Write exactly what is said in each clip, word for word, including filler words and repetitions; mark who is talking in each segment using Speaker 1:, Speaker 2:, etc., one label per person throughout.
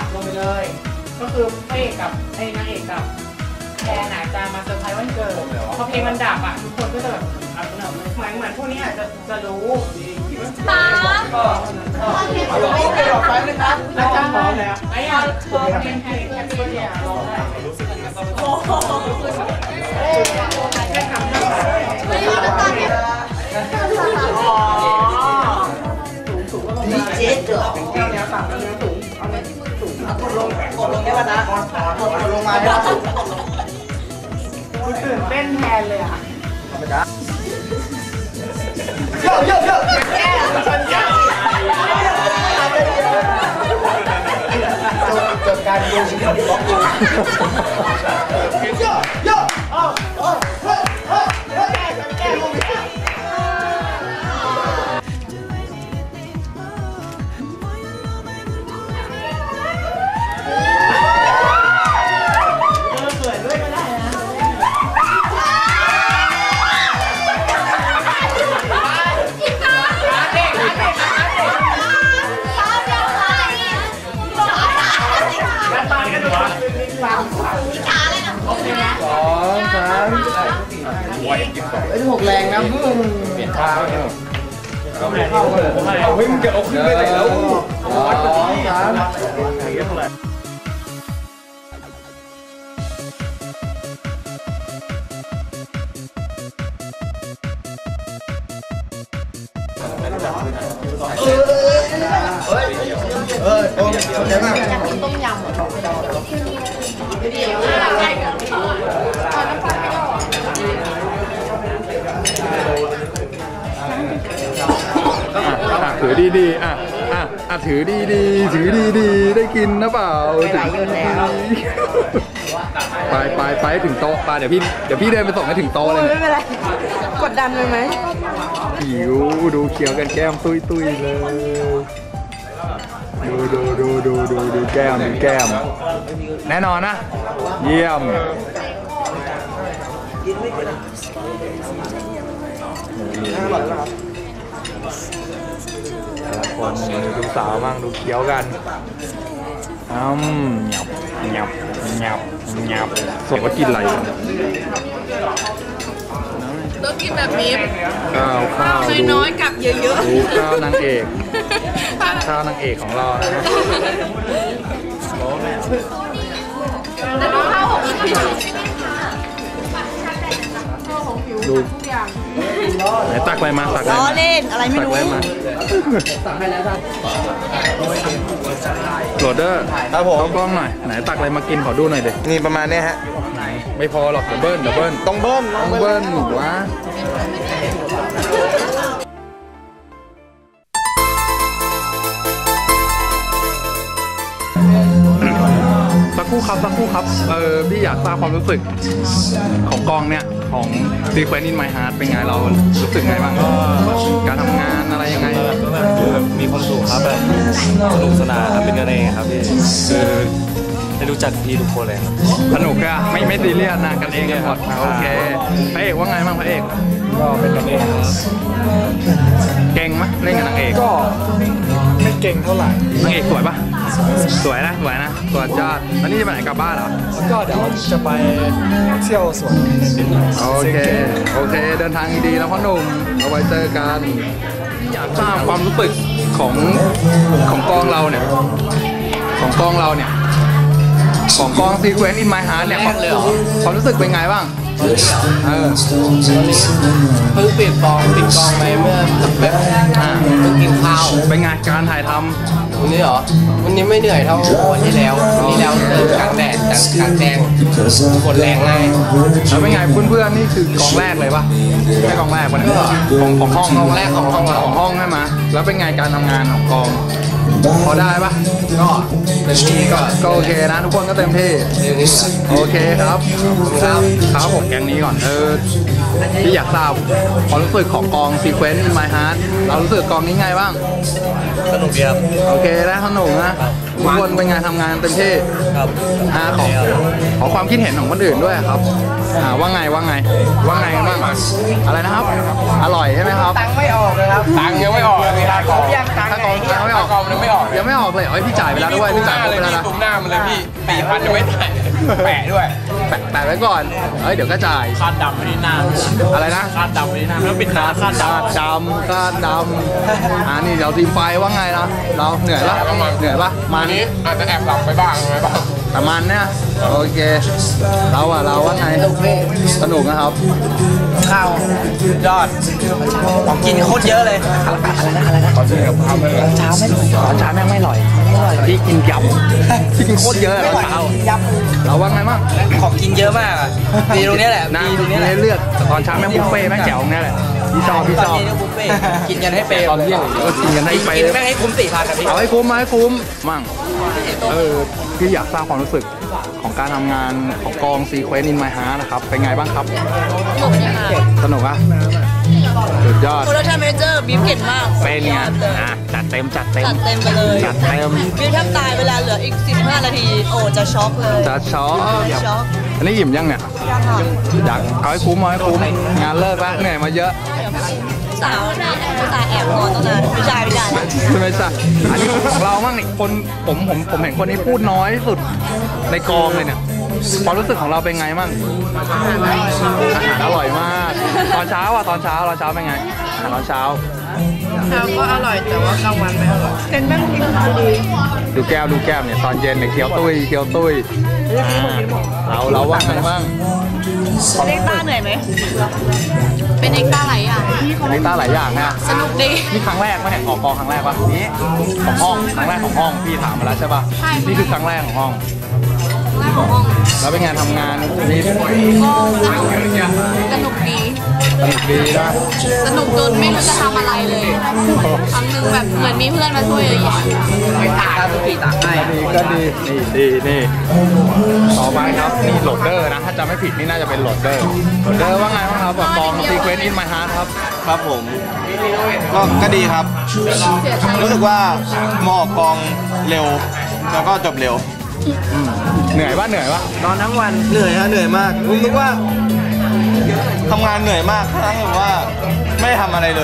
Speaker 1: ลงไปเลยก็คือพระเอกกับไอ้นางเอกกับแอนอาจจะมาเซอร์ไพรส์วันเกิดพอเพลงมันดับอ่ะทุกคนก็จะแบบเอาเหมือนเหมือนเหมือนพวกนี้อาจจะจะรู้
Speaker 2: ป้า
Speaker 1: เอาลงไปหลอกไปเลยครับแล้วจะพร้อมแล้วไอ้ยาพอเพลงเพลงแฮปปี้เบิร์ดเดย์ร้องได้โอ้โหแค่ทำได้ไม่รู้จะตอนนี้อ๋อสูงสูงก็ลงมาเจ๊เดือดแก้วเนี้ยต่ำเนี้ยสูงเอาเนี้ยสูงกดลงกดลงได้ป่ะนะกดลงมาได้ป่ะคุณตื่นเต้นแทนเลยอ่ะเยอะเยอะเยอะแก้คนเยอะจบการดูชีวิตของบล็อกดูเยอะเยอะเอ้าเอ้าเฮ้ยเฮ้ยแก้แก้ลงแก้ไอ้ที่หกแรงนะเปลี่ยนท่าเนาะก็ไม่เข้าเลยเอาให้มึงจะเอาขึ้นไปไหนแล้วสองสามเออเฮ้ยเออโอ้ยเดี๋ยวนะอยากกินต้มยำเดี๋ยวเอาน้ำปลาไม่ได้หรอ
Speaker 3: ถือดีๆอ่ะอ่ะอ่ะถือดีๆถือดีๆได้กินนะเปล่าถือดีๆไปไปไปถึงโต๊ะไปเดี๋ยวพี่เดี๋ยวพี่เดินไปส่งให้ถึงโต๊ะเลยไม่เป็นไร
Speaker 2: กดดันไปไหม
Speaker 3: หิวดูเขียวกันแก้มตุยตุยเลยดูดูดูดูดูดูแก้มดูแก้มแน่นอนนะเยี่ยมแต่ละคนดูสาวมั่งดูเคี้ยวกันอืมหยับหยับหยับหยับส่วนว่ากินอะไร
Speaker 2: ต้องกินแบบนี้
Speaker 3: ข้าวข้าว
Speaker 2: น้อยๆกับเยอะๆดู
Speaker 3: ข้าวนางเอกข้าวนางเอกของเรานะ
Speaker 2: แต่ดูข้าวของ
Speaker 3: ดูไหนตักอะไรมาตักอะไร
Speaker 2: มาเล่นอะไรไม่รู้
Speaker 3: ตักอะไรมาตักให้แล้วครับโหลดเดอร์ครับผมกล้องหน่อยไหนตักอะไรมากินขอดูหน่อยเด็ก
Speaker 4: นี่ประมาณนี้ฮะ
Speaker 3: ไหนไม่พอหรอกเดี๋ยวเบิ้ลเดี๋ยวเบิ้ล
Speaker 4: ต้องเบิ้ล
Speaker 3: ต้องเบิ้ลหนูวะสักครู่ครับสักครู่ครับเออพี่อยากทราบความรู้สึกของกองเนี่ยของ Sequence in My Heart เป็นไงเรารู้สึกไงบ้างการทำงานอะไรยังไง
Speaker 4: ก็แบบคือมีความสุขครับแบบสนุกสนานเป็นกันเองครับพี่คือได้รู้จักพี่ทุกคนเลยครับ
Speaker 3: สนุกอะไม่ไม่ซีเรียสนะกันเองกันหมดโอเคพระเอกว่าไงบ้างพระเอก
Speaker 4: ก็เป็นกันเองครับ
Speaker 3: เก่งไหมเล่นกับนางเอก
Speaker 4: ก็ไม่เก่งเท่าไหร่
Speaker 3: นางเอกสวยปะสวยนะสวยนะสวยจ้าแล้วนี่จะไปไหนกลับบ้านเหรอ
Speaker 4: ก็เดี๋ยวจะไปเที่ยวสวน
Speaker 3: โอเคโอเคเดินทางดีๆแล้วพ่อหนุ่มเอาไว้เจอกันอยากทราบความรู้สึกของของกองเราเนี่ยของกองเราเนี่ยของกอง Sequence in My Heart เนี่ยความรู้สึกเป็นไงบ้างเออ
Speaker 1: เพิ่งปิดกองปิดกองไปเมื่อแบบอ่าเพิ่งกินข้าว
Speaker 3: เป็นไงการถ่ายทำ
Speaker 1: วันนี้เหรอวันนี้ไม่เหนื่อยเท่าวันที่แล้ววันที่แล้วเดินกลางแดดกลางแดงกดแรงง่าย
Speaker 3: แล้วเป็นไงเพื่อนๆนี่คือกองแรกเลยปะแค่กองแรกวันนี้ของของห้อง
Speaker 1: กองแรกของห้อง
Speaker 3: ของห้องใช่ไหมแล้วเป็นไงการทำงานของกองพอได้ปะ
Speaker 1: ก็เต็มที่ก็
Speaker 3: ก็โอเคนะทุกคนก็เต็มที่โอเคครับครับครับผมแกงนี้ก่อนเออที่อยากทราบความรู้สึกของกอง Sequence in My Heart เรารู้สึกกองนี้ไงบ้าง
Speaker 4: สนุกดีครับ
Speaker 3: โอเคได้สนุกนะทุกคนเป็นไงทำงานเต็มที่
Speaker 4: ครับ
Speaker 3: อ่าขอขอความคิดเห็นของคนอื่นด้วยครับอ่าว่าไงว่าไงว่าไงกันบ้างอะไรนะครับ อร่อยใช่ไหมครับ
Speaker 1: ตังค์ไม่ออกเลยครับ
Speaker 5: ตังค์ยังไม่ออกเลยพี่ค่ากอง
Speaker 1: ยังตังค์
Speaker 3: ถ้ากองยังไม่ออก
Speaker 5: กองยังไม่ออก
Speaker 3: ยังไม่ออกเลยเอ้ยพี่จ่ายไปแล้วด้วยพี่จ่ายไป
Speaker 5: เลย
Speaker 3: แล้ว
Speaker 5: พี่
Speaker 3: นะ
Speaker 5: ตุ้มหน้ามันเลยพี่สี่พันยังไม่จ่ายแปะด้วย
Speaker 3: แปะแปะไว้ก่อนเอ้ยเดี๋ยวก็จ่าย
Speaker 4: คาดดำไม่ได้หน้า
Speaker 3: อะไรนะ
Speaker 4: คาดดำไม่ได้หน้าแล้วปิดตาคาดด
Speaker 3: คาดดำคาดดำอ่านี่เดี๋ยวทีมไฟว่าไงนะเราเหนื่อยปะเหนื่อยปะมั
Speaker 5: อั
Speaker 3: น
Speaker 5: นนี้อาจจะแอบหลับไปบ้างอะไรบ้าง
Speaker 3: แต่มันเนี่ยโอเคเราอะเราว่าไงสนุกนะครับ
Speaker 1: ข้าวสุดยอดของกินโคตรเยอะเลยอะไรนะอะไรนะ
Speaker 5: ขอชื่อกับข้าวเลย
Speaker 1: เช้าไม่อร่อยตอนเช้าแม่งไม่อร่อยไม่อร่อย
Speaker 3: พี่กินยำพี่กินโคตรเยอะ
Speaker 1: ไม่
Speaker 3: ต
Speaker 1: อ
Speaker 3: อน
Speaker 1: ร่อย
Speaker 3: เช้า
Speaker 1: ย
Speaker 3: เราว่าไงบ้าง
Speaker 1: ำของกินเยอะมากอ่ะดีตรงนี้แหละ
Speaker 3: นะ
Speaker 1: ดีตรงนี้แหละ
Speaker 3: เลือกแต่ตอนเช้าแม่งบุฟเฟ่ต์แม่งแจ๋วเนี่ยแหละพี่ชอบพี่
Speaker 1: ต
Speaker 3: ช
Speaker 1: อน
Speaker 3: อบ
Speaker 1: นี้เนี่ยบุฟเฟ่ต์กินกันให้เปย์
Speaker 3: ตอนเที่ยงก็กินกันให้ไป
Speaker 1: กินแม่งให้คุ้มสี่พันนะพี่
Speaker 3: เอาให้คุ้มมาให้คุ้มมั่งเออพี่อยากทราบความรู้สึกของการทำงานของกอง Sequence in My Heart นะครับเป็นไงบ้างครับ
Speaker 2: หมดยังไง
Speaker 3: สนุกอะสุดยอด
Speaker 2: โปรดักชั่นแมเนเจอร์บีฟเก่งมาก
Speaker 3: เป็นไงอ่ะจัดเต็มจัดเต็ม
Speaker 2: จัดเต็มไปเลย
Speaker 3: จัดเต็ม
Speaker 2: บีฟแทบตายเวลาเหลืออีกสิบห้านาที โอ้จะช็อกเลย
Speaker 3: จัดช็อป
Speaker 2: ช็อก
Speaker 3: อันนี้อิ่มยังเนี่ย
Speaker 2: ยังค่ะ
Speaker 3: อยากเอาให้คุ้มเอาให้คุ้มงานเลิกแล้วเหนื่อยมาเยอะ
Speaker 2: สาวนี่ผู้ชายแอบนอนตั้งนานผู้ชายไม่ได้นะ
Speaker 3: ใช่ไหมจ๊ะอันนี้ของเราบ้างนี่คนผมผมผมเห็นคนนี้พูดน้อยที่สุดในกองเลยเนี่ยความรู้สึกของเราเป็นไงบ้างอาหารอร่อยมาก ตอนเช้าอ่ะตอนเช้าตอนเช้าเป็นไงอาหารตอนเช้า
Speaker 2: เช้าก็อร่อยแต่ว่ากลางวันไม่อร่อยเป็นแม่งกินดี
Speaker 3: ดูแก้วดูแก้วเนี่ยตอนเย็นเนี่ยเคี้ยวตุ้ยเคี้ยวตุ้ยอ่าเราเราว่าไงบ้าง
Speaker 2: เล็กต้าเหนื่อยไหมเป็นเอ็กต้าหลายอย่าง
Speaker 3: อันนี้ตาหลายอย่างนะ
Speaker 2: สนุกดี
Speaker 3: นี่ครั้งแรกปะเนี่ยออกกองครั้งแรกปะนี่ของห้องครั้งแรกของห้องพี่ถามมาแล้วใช่ปะ
Speaker 2: ใช่
Speaker 3: นี่คือครั้งแรกของห้อง
Speaker 2: แรกของห้อง
Speaker 3: แล้วเป็นไงทำงานนี่
Speaker 2: ก็สนุกดี
Speaker 3: สนุกดีนะ
Speaker 2: สนุกจนไม่รู้จะทำอะไรเลยครั้งหนึ่งแบบเหมือนมีเพื่อนมาช่วยเยอะแยะ
Speaker 1: ไม่ตากทุกทีตากให้
Speaker 3: ดีก็ดีนี่ดีนี่ต่อไปครับนี่โหลดเดอร์นะถ้าจำไม่ผิดนี่น่าจะเป็นโหลดเดอร์โหลดเดอร์ว่าไงบ้างครับแบบกอง Sequence in My Heart ครับ
Speaker 6: ครับผมก็ก็ดีครับ รู้สึกว่าเหมาะกองเร็ว แล้วก็จบเร็ว
Speaker 3: เหนื่อยปะเหนื่อยปะ
Speaker 1: นอนทั้งวัน
Speaker 6: เหนื่อยฮะเหนื่อยมากผมนึกว่าทำงานเหนื่อยมากทั้งแบบว่าไม่ได้ทำอะไรเลย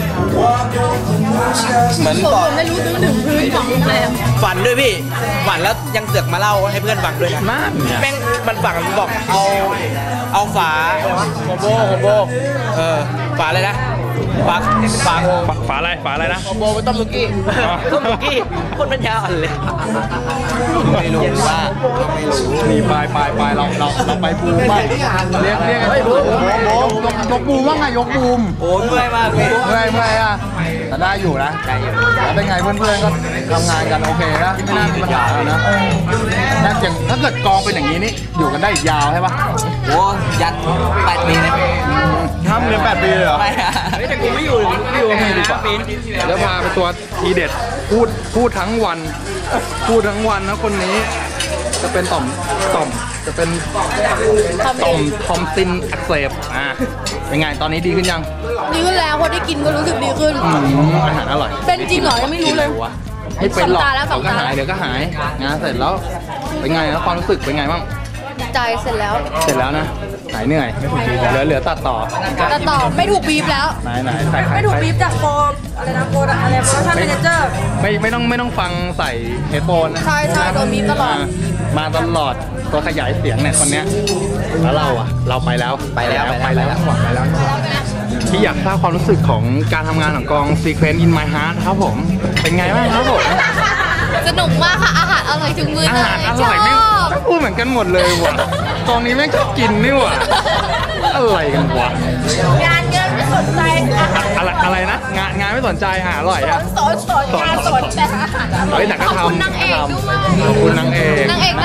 Speaker 6: เหมือน
Speaker 2: ผม
Speaker 6: ต่อ
Speaker 2: ไม่รู้ถึงถึงพื้นของโรงแรม
Speaker 1: ฝันด้วยพี่ฝันแล้วยังเสือกมาเล่าให้เพื่อนฟังด้วยนะ
Speaker 3: นั่นเนี่ย
Speaker 1: แม่งมันฝังบอกเอาเอาฝาโฮโบโฮโบเออฝาอะไรนะฝาฝา
Speaker 3: ฝาฝาอะไรฝาอะไรนะ
Speaker 1: โฮโบไปต้มสุกี้ต้มสุกี้คนปัญญาอ่อนเลย
Speaker 6: ไม่รู้ว่าไม่รู้
Speaker 3: นี่ไปไปไปเราเราเราไปบูมบ้างเรียกเรียกเฮ้ยบูมบูมยกยกบูมว่าไงยกบูม
Speaker 1: โอ้เมื่อยมากเลย
Speaker 3: เมื่อยเมื่อยอ่ะแต่ได้อยู่นะได้อยู่แล้วเป็นไงเพื่อนๆก็ทำงานกันโอเคนะไม่น่ามีปัญหาแล้วนะน่าจะถ้าเกิดกองเป็นอย่างนี้นี่อยู่กันได้อีกยาวใช่ปะ
Speaker 1: โอ้ยันแปดปีนะ
Speaker 6: ทำเงินแปดปีเลยเหรอ
Speaker 1: ไม่อะแต่กูไม่อยู่ไม่อยู่
Speaker 3: ไม่ดีกว่า
Speaker 1: ปีน
Speaker 3: เดี๋ยวพาไปตัวทีเด็ดพูดพูดทั้งวัน พูดทั้งวันนะคนนี้ จะเป็นต่อมต่อมจะเป็นต่อมทอมซินอักเสบอ่ะเป็นไงตอนนี้ดีขึ้นยัง
Speaker 2: ดีขึ้นแล้วพอได้กินก็รู้สึกดีขึ้น
Speaker 3: อืมอาหารอร่อย
Speaker 2: เป็นจริงเหรอยังไม่รู้เลย
Speaker 3: ไม่เป็นหรอก
Speaker 2: สองตาแล้วส
Speaker 3: เดี๋
Speaker 2: อย ง
Speaker 3: วก็
Speaker 2: ตา
Speaker 3: หายเดี๋ยวก็หายงานเสร็จแล้วเป็นไงแล้วความรู้สึกเป็นไงบ้าง
Speaker 2: ใจเสร็จแล้ว
Speaker 3: เสร็จแล้วนะหายเหนื่อยเหลือเหลือตัดต่อ
Speaker 2: แต่ต่อไม่ถูกบีบแล้ว
Speaker 3: ไหนไหนใส่ใคร
Speaker 2: ไม่ถูกบีบจากโฟมอะไรนะโฟมอะไรโปรดักชั่นแมเนเจอร์
Speaker 3: ไม่ไม่ต้องไม่ต้องฟังใส่เฮดโฟนนะ
Speaker 2: ใช่ใช่โดนบีบตลอด
Speaker 3: ามาตลอดตัวขยายเสียงเนี่ยคนเนี้ยแล้วเราอ่ะ เราไปแล้วไปแล้วไปแล้วหมดไปแล้วที่อยากทราบความรู้สึกของการทำงานของกอง Sequence in My Heart ครับผมเป็นไงบ้างครับผม
Speaker 2: สนุกมากค่ะอาหารอร่อยถึงมือ
Speaker 3: อา
Speaker 2: เลย
Speaker 3: หารอร่อยแม่ง
Speaker 2: ชอบ
Speaker 3: พูดเหมือนกันหมดเลยว่ะกองนี้แม่งชอบกินนี่ว่ะอะไรกันวะ
Speaker 2: งานเยอะไม่สนใจอาหาร
Speaker 3: อะไรอะไรนะงานงานไม่สนใจอาหารอร่อยอะ
Speaker 2: สอนสอนงานสอนแต่อาหารอร่อย
Speaker 3: เฮ้ยแต่ก็
Speaker 2: ขอบคุณ
Speaker 3: ทำ
Speaker 2: นางเอกด้วย
Speaker 3: ขอบคุณนางเอก
Speaker 2: นางเอกน่ารักม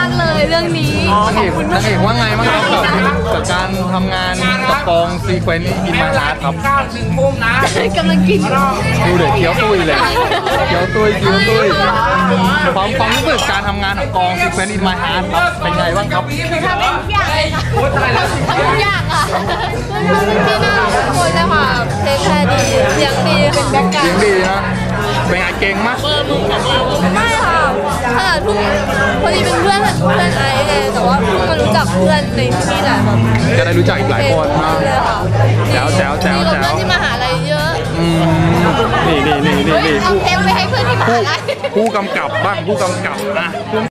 Speaker 2: ากเลยเรื่องนี้
Speaker 3: นางเอกนางเอกว่าไงบ้างครับกับกับการทำงานกับกองซีเควนต์อินมาฮาร์ดครับ
Speaker 5: ข้าวหนึ่งมุมนะ
Speaker 2: กำลังกิน
Speaker 3: ดูเด็กเคี้ยวตุ้ยเลยเคี้ยวตุ้ยเคี้ยวตุ้ยความความรู้สึกการทำงานของกองซีเควนต์อินมาฮาร์ดครับเป็นไงบ้างครับ
Speaker 2: ทำได้ทุกอย่างเลยค่ะทำทุกอย่างอ่ะพี่น่ารักทุกคนเลยค่ะเทคแคร์ดีเสียงดีเป็นแบ็คกราว
Speaker 3: เสียง
Speaker 2: ด์
Speaker 3: ดีนะเป็นไงเก่งมาก
Speaker 2: ไม่ค่ะขนาดทุกพอดีเป็นเพื่อนเพื่อนไอซ์ไงแต่ว่าเพิ่งมารู้จักเพื่อนในที่แหละแบบ
Speaker 3: จะได้รู้จักอีกหลายคนนะ
Speaker 2: เลยค่ะ
Speaker 3: แจ๋วแจ๋วแจ๋ว
Speaker 2: มีกับ
Speaker 3: แจ๋
Speaker 2: เพื่อ
Speaker 3: วน
Speaker 2: ที่มหาลัยเยอะ
Speaker 3: อืมนี่นี่นี่นี่
Speaker 2: เฮ้ย
Speaker 3: นี่
Speaker 2: เอา
Speaker 3: ผู้
Speaker 2: เทปไปให้เพื่อนที่มหาลัย
Speaker 3: ผู้กำกับบ้างผู้กำกับนะ